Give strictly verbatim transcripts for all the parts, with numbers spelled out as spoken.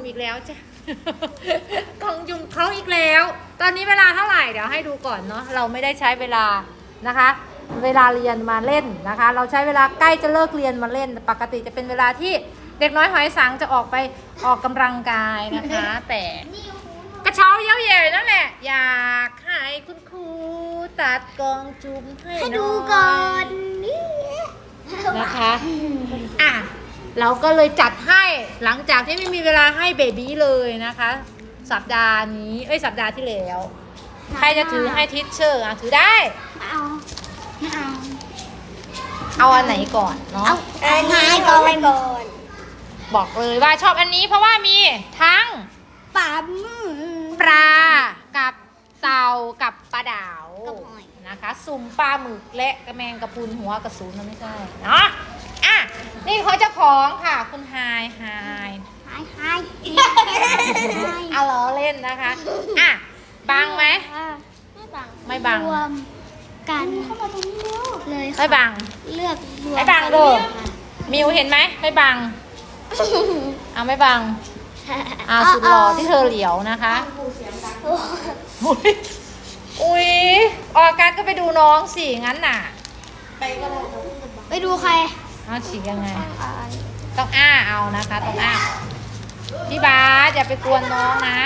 อีกแล้วจ้ะ กล่องจุ่มเขาอีกแล้ว ตอนนี้เวลาเท่าไหร่เดี๋ยวให้ดูก่อนเนาะเราไม่ได้ใช้เวลานะคะ เวลาเรียนมาเล่นนะคะ เราใช้เวลาใกล้จะเลิกเรียนมาเล่นปกติจะเป็นเวลาที่เด็กน้อยหอยสังจะออกไปออกกำลังกายนะคะ แต่กระเช้าเย้าแย่นั่นแหละอยากให้คุณครูตัดกล่องจุ่มให้ให้หดูน่อยก่อนนี่นะคะอ่ะเราก็เลยจัดให้หลังจากที่ไม่มีเวลาให้เบบี้เลยนะคะ สัปดาห์นี้เอ้ยสัปดาห์ที่แล้วใครจะถือให้ทิชเชอร์อ่ะถือได้ไม่เอาไม่เอาเอาอันไหนก่อนเนาะเอาอันนี้ก่อนก่อนบอกเลยว่าชอบอันนี้เพราะว่ามีทั้งปั๊มปลากับเต่ากับปลาดาวกับหอยนะคะสุ่มปลาหมึกและกระแมงกระพุนหัวกระสุนนะไม่ใช่เนาะอ่ะนี่เขาเจ้าของค่ะคุณไฮไฮหายหายเอาล้อเล่นนะคะอ่ะบังไหมไม่บังไม่บังรวมกันเข้ามาตรงนี้เลยไม่บังเลือกรวมไม่บังเด้อมิวเห็นไหมไม่บังเอาไม่บังอ่าสุดหล่อที่เธอเหลียวนะคะอุ๊ยอุ้ยออกการก็ไปดูน้องสิงั้นน่ะไปดูใครเอาฉีกยังไงต้องอ้าเอานะคะต้องอ้าพี่บาสอย่าไปกวนน้องนะ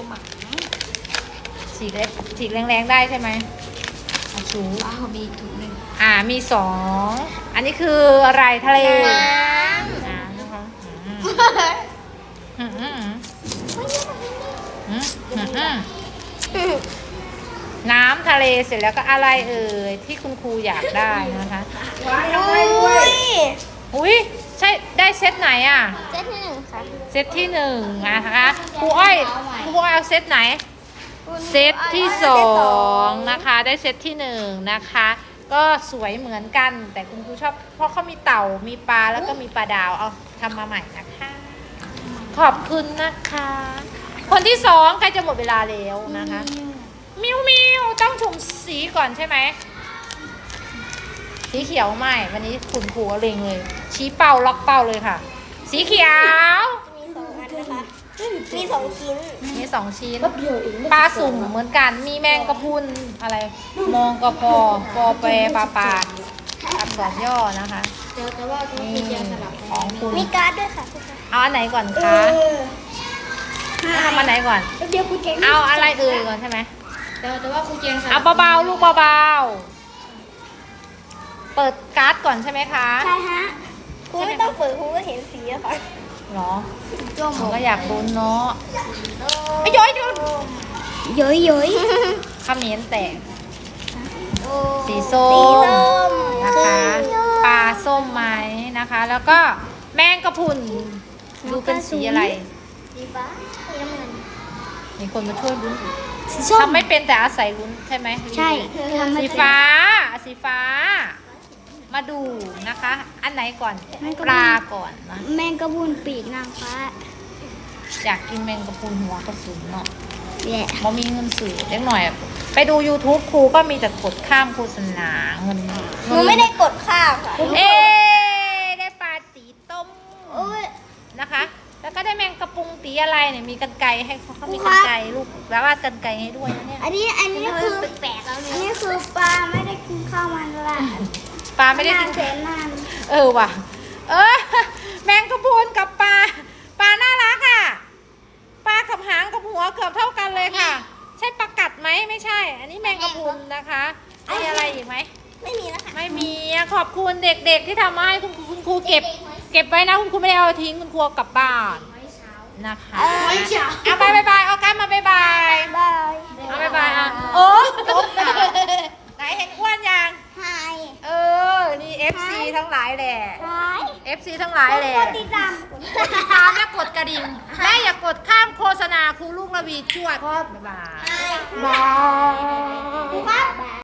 ฉีกเล็กฉีกแรงๆได้ใช่ไหมเอาชูอ้าวมีถุงหนึ่งอ่ามีสองอันนี้คืออะไรทะเลน้น้ำนะคะอืมอืมอืมอืมอืมอืมน้ำทะเลเสร็จแล้วก็อะไรเอ่ยที่คุณครูอยากได้นะคะำอุ้ยอุ้ยใช่ได้เซตไหนอ่ะเซตที่หนึ่งค่ะเซตที่หนึ่งนะคะครูอ้อยครูอ้อยเอาเซตไหน เซตที่สองนะคะได้เซตที่หนึ่งนะคะ ก็สวยเหมือนกันแต่คุณครูชอบเพราะเขามีเต่ามีปลาแล้วก็มีปลาดาวเอาทำมาใหม่นะคะ ขอบคุณนะคะ คนที่สองใกล้จะหมดเวลาแล้วนะคะ มิวมิวต้องชมสีก่อนใช่ไหมสีเขียวไม่วันนี้คุณครูเล็งเลย ชี้เป้าล็อกเป้าเลยค่ะ สีเขียวมีสองอันนะคะมีสองชิ้นมีสองชิ้นปลาสุ่มเหมือนกันมีแมงกะพรุนอะไร มองกะพอปอแปรปลาปลาอักษรย่อนะคะนี่ของคุณมีการ์ดด้วยค่ะเอาอันไหนก่อนคะเอาทำอันไหนก่อนเดี๋ยวคุณเก่งเอาอะไรเอ่ยก่อนใช่ไหมแต่แต่ว่าคุณเก่งค่ะเอาเบาๆลูกเบาๆเปิดการ์ดก่อนใช่ไหมคะใช่ฮะคุณไม่ต้องเปิดคุณก็เห็นสีอะค่ะหรอผมก็อยากลุ้นเนาะไอ้ย้อยดูย้อยย้อยขมิ้นแตก สีส้มนะคะปลาส้มไหมนะคะ แล้วก็แมงกะพรุนดูเป็นสีอะไรสีฟ้าสีน้ำเงินมีคนมาช่วยลุ้นสีส้มทำไม่เป็นแต่อาศัยลุ้นใช่ไหมใช่ทำไม่สีเป็นฟ้าสีฟ้า มาดูนะคะ อันไหนก่อนแมงกะพรุนปลาก่อนนะแมงกะพรุนปีกนางฟ้าอยากกินแมงกะพรุนหัวกระสุนเนาะแย่บ่มีเงินสื่อเล็กหน่อย ไปดู YouTube ครูก็มีแต่กดข้ามโฆษณาเงินหนูไม่ได้กดข้ามค่ะเอ๊ได้ปลาตีต้มโอ้ยนะคะ แล้วก็ได้แมงกะปรุงตีอะไรเนี่ยมีกันไกรให้เขาเขามีกันไกรลูกแล้วว่ากันไกรให้ด้วยนะเนี่ยอันนี้อันนี้คือแปลกแล้วอันนี้คือปลาไม่ได้กินข้าวมันละปลาไม่ได้กินแสนนานเออว่ะ เออ แมงกะพรุนกับปลาปลาน่ารักอ่ะปลากับหางกับหัวเกือบเท่ากันเลยค่ะ ใช่ปลากัดไหมไม่ใช่ อันนี้แมงกะพรุนนะคะมีอะไรอีกไหมไม่มีแล้วค่ะไม่มีอะขอบคุณเด็กๆที่ทำมาให้คุณครูคุณครูเก็บ เก็บไว้นะคุณครูไม่ได้เอาทิ้งคุณครูเอากลับบ้านนะคะไม่เช้าเอาบายบายบายเอากันมาบายบายบายเอาบายบายอ่ะโอ้ตบนะไหนเห็นอ้วนยังไฮเออนี่ เอฟ ซี ทั้งหลายแหละไฮเอฟ ซี ทั้งหลายแหละกดติดตามกดติดตามและกดกระดิ่งและอย่ากดข้ามโฆษณาครูลูกระวีจวดบ๊ายบายบายครับ